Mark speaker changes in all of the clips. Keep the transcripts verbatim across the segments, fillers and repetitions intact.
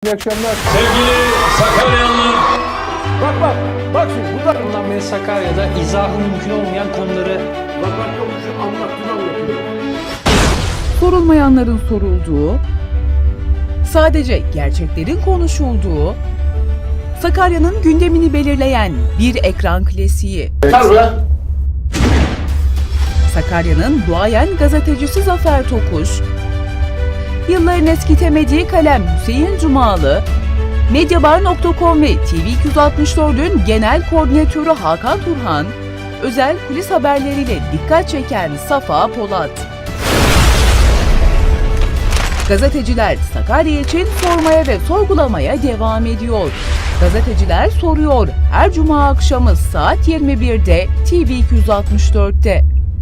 Speaker 1: İyi akşamlar.
Speaker 2: Sevgili Sakaryalılar.
Speaker 1: Bak bak. Bak şimdi burada.
Speaker 3: Bundan beri Sakarya'da izahı mümkün olmayan konuları
Speaker 1: Bak bak konuşuyor. Anlattığını anlatıyor.
Speaker 4: Sorulmayanların sorulduğu, sadece gerçeklerin konuşulduğu, Sakarya'nın gündemini belirleyen bir ekran klasiği.
Speaker 1: Yeter be.
Speaker 4: Sakarya'nın duayen gazetecisi Zafer Tokuş, yılların eskitemediği kalem Hüseyin Cumalı, Medyabar nokta com ve T V iki yüz altmış dört'ün genel koordinatörü Hakan Turhan, özel kulis haberleriyle dikkat çeken Safa Polat. Gazeteciler Sakarya için sormaya ve sorgulamaya devam ediyor. Gazeteciler soruyor her cuma akşamı saat yirmi bir'de T V iki yüz altmış dört'te.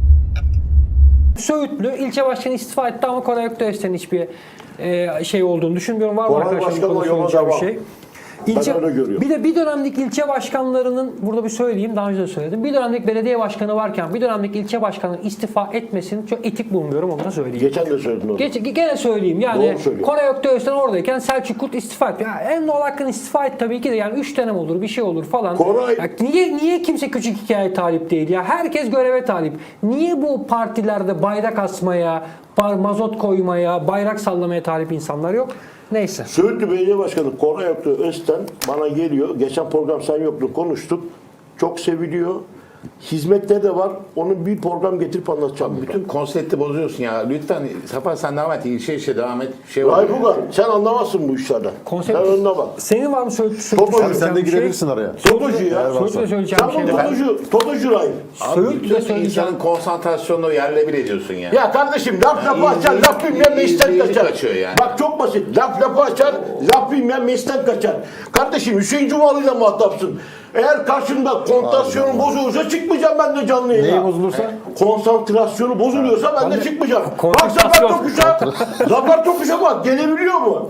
Speaker 3: Söğütlü ilçe başkanı istifa etti ama Koray Öktöğüs'ten hiçbir e, şey olduğunu düşünmüyorum. Var mı
Speaker 1: Koray
Speaker 3: arkadaşlar
Speaker 1: Başkan
Speaker 3: bu
Speaker 1: o
Speaker 3: konuda
Speaker 1: yola
Speaker 3: söyleyeceğim bir
Speaker 1: devam.
Speaker 3: şey?
Speaker 1: Ben
Speaker 3: İlçe,
Speaker 1: öyle görüyorum.
Speaker 3: bir de bir dönemlik ilçe başkanlarının, burada bir söyleyeyim, daha önce de söyledim. Bir dönemlik belediye başkanı varken bir dönemlik ilçe başkanının istifa etmesini çok etik bulmuyorum, onu da söyleyeyim.
Speaker 1: Geçen de söyledin onu.
Speaker 3: Geç, gene söyleyeyim yani
Speaker 1: Doğru söylüyor.
Speaker 3: Koray Öktöğüs'ten oradayken Selçuk Kurt istifa etti. Yani en doğal hakkın istifa et tabii ki de, yani üç dönem olur, bir şey olur falan.
Speaker 1: Koray-
Speaker 3: Ya niye niye kimse küçük hikaye talip değil ya? Herkes göreve talip. Niye bu partilerde bayrak asmaya, bar- mazot koymaya, bayrak sallamaya talip insanlar yok? Neyse.
Speaker 1: Söğütlü Belediye Başkanı Koray Öktöğüs'ten bana geliyor. Geçen program sen yoktun, konuştuk. Çok seviliyor. Hizmetleri de var. Onun bir program getirip anlatacağım.
Speaker 5: Bütün konsepti bozuyorsun ya. Lütfen Safa sen devam et. İşe işe devam et. Şey var.
Speaker 1: Rayfugan sen anlamazsın bu işlerden.
Speaker 3: Konsept-
Speaker 1: Sen önüne bak.
Speaker 3: Senin var mı Söğütlü?
Speaker 1: Topu-
Speaker 3: Söğütlü
Speaker 1: sen
Speaker 6: Sen de girebilirsin araya.
Speaker 1: Totocu ya.
Speaker 3: Söğütlü'de söyleyeceğim
Speaker 1: Sen
Speaker 3: bir şey
Speaker 1: bu
Speaker 3: var.
Speaker 1: Totocu, Totocu Ray.
Speaker 5: Abi
Speaker 3: Söğütlü'de
Speaker 5: bütün
Speaker 3: söyleyeceğim.
Speaker 5: insanın konsantrasyonunu yerle bir ediyorsun ya.
Speaker 1: Ya kardeşim laf lafı
Speaker 5: Ya,
Speaker 1: açar,
Speaker 5: izleyici-
Speaker 1: laf bilmeyen mesten
Speaker 5: izleyici
Speaker 1: kaçar.
Speaker 5: kaçıyor yani.
Speaker 1: Bak çok basit. Laf lafı açar, laf bilmeyen mesten kaçar. Kardeşim Hüseyin Cumalı'yla muhatapsın. Eğer karşımda konsantrasyonun bozulursa çıkmayacağım ben de canlı yayına.
Speaker 6: Neyi bozulursa?
Speaker 1: Konsantrasyonu bozuluyorsa ben de çıkmayacağım. Bak Zafer
Speaker 3: konsantrasyon.
Speaker 1: Tokuş'a, Zafer Tokuş'a bak gelebiliyor mu?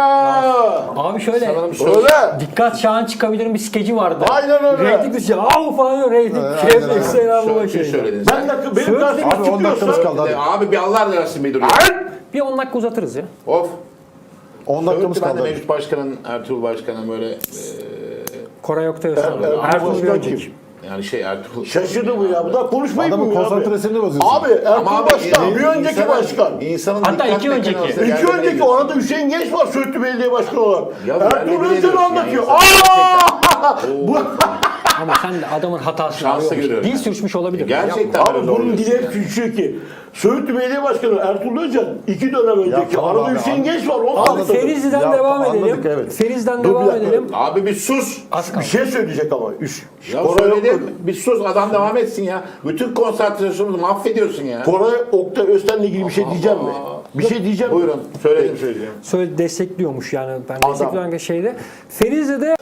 Speaker 1: Aa,
Speaker 3: Abi şöyle,
Speaker 5: Sana bir şey
Speaker 1: öyle.
Speaker 3: dikkat Şahan çıkabilirim bir skeci vardı.
Speaker 1: Aynen öyle.
Speaker 3: Reyting dışı, av falan yok, reyting. Şevket Selam
Speaker 5: Şöyle
Speaker 3: baba
Speaker 5: bir şey
Speaker 3: şeydi.
Speaker 5: söyledin
Speaker 1: Ben
Speaker 5: sen.
Speaker 1: de benim
Speaker 3: Söyle-
Speaker 1: karşıma
Speaker 6: Abi on dakikamız
Speaker 1: çıkıyorsa...
Speaker 6: kaldı hadi.
Speaker 5: De, Abi bir Allah arasın bir duruyor.
Speaker 3: Bir on dakika uzatırız ya.
Speaker 5: Of.
Speaker 6: on dakikamız
Speaker 5: Söğütlü ben de
Speaker 6: kaldı. hadi.
Speaker 5: mevcut başkanın, Ertuğrul Başkan'ın böyle e,
Speaker 3: Koray Öktöğüs.
Speaker 1: Er- Ertuğrul
Speaker 3: Ertuğrul bir
Speaker 1: Başkan
Speaker 3: önceki.
Speaker 1: kim?
Speaker 5: yani şey Ertuğrul.
Speaker 1: Şaşırdı bu ya. Bu da konuşmayı
Speaker 6: Adamın
Speaker 1: bilmiyor abi.
Speaker 6: konsantrasını bozuyorsun.
Speaker 1: Abi Ertuğrul
Speaker 5: abi,
Speaker 1: Başkan,
Speaker 5: e,
Speaker 1: bir önceki
Speaker 5: insanın-
Speaker 1: başkan.
Speaker 5: İnsanın
Speaker 3: Hatta
Speaker 5: dikkat
Speaker 3: iki önceki.
Speaker 5: mekanizması
Speaker 1: İki
Speaker 5: yerle bir
Speaker 1: önceki
Speaker 5: ediyorsun.
Speaker 1: orada Hüseyin Genç var Söğütlü Belediye Başkanı olarak.
Speaker 5: Ya
Speaker 1: Ertuğrul
Speaker 5: yerle bir
Speaker 1: Özcan
Speaker 5: ediyorsun
Speaker 1: anlatıyor.
Speaker 5: yani.
Speaker 1: Aa! Bu,
Speaker 3: Ama sen de adamın hatasını
Speaker 5: Şanslı
Speaker 3: arıyorsun.
Speaker 5: görüyorum
Speaker 3: Dil
Speaker 5: yani.
Speaker 3: sürçmüş olabilir.
Speaker 5: Gerçekten
Speaker 1: abi
Speaker 5: öyle
Speaker 1: bunun
Speaker 5: oluyorsun
Speaker 1: dili hep
Speaker 5: yani.
Speaker 1: küçük ki. Söğütlü Belediye Başkanı Ertuğrul Özcan iki dönem önceki.
Speaker 6: tamam
Speaker 1: Arada
Speaker 6: abi,
Speaker 1: Hüseyin
Speaker 6: anladım.
Speaker 1: Genç var. Onu
Speaker 3: Abi
Speaker 1: anlatıyor.
Speaker 3: Ferizli'den
Speaker 6: Ya,
Speaker 3: devam
Speaker 6: anladık,
Speaker 3: edelim.
Speaker 6: evet.
Speaker 3: Ferizli'den
Speaker 1: Dur bir
Speaker 3: devam
Speaker 1: dakika.
Speaker 3: edelim.
Speaker 5: Abi bir sus.
Speaker 3: Az
Speaker 1: Bir
Speaker 3: kaldı.
Speaker 1: şey söyleyecek ama. Üç.
Speaker 5: Ya
Speaker 1: Koray,
Speaker 5: söyledim. Bir sus adam devam etsin ya. Bütün konsantrasyonumuzu mahvediyorsun ya.
Speaker 1: Koray Oktay Özten'le ilgili bir şey diyeceğim mi? Bir şey diyeceğim mi?
Speaker 5: Buyurun. Söyledim söyleyeceğim.
Speaker 3: Söyle destekliyormuş yani, ben
Speaker 1: Adam.
Speaker 3: destekliyorum şeyde. Ferizli'de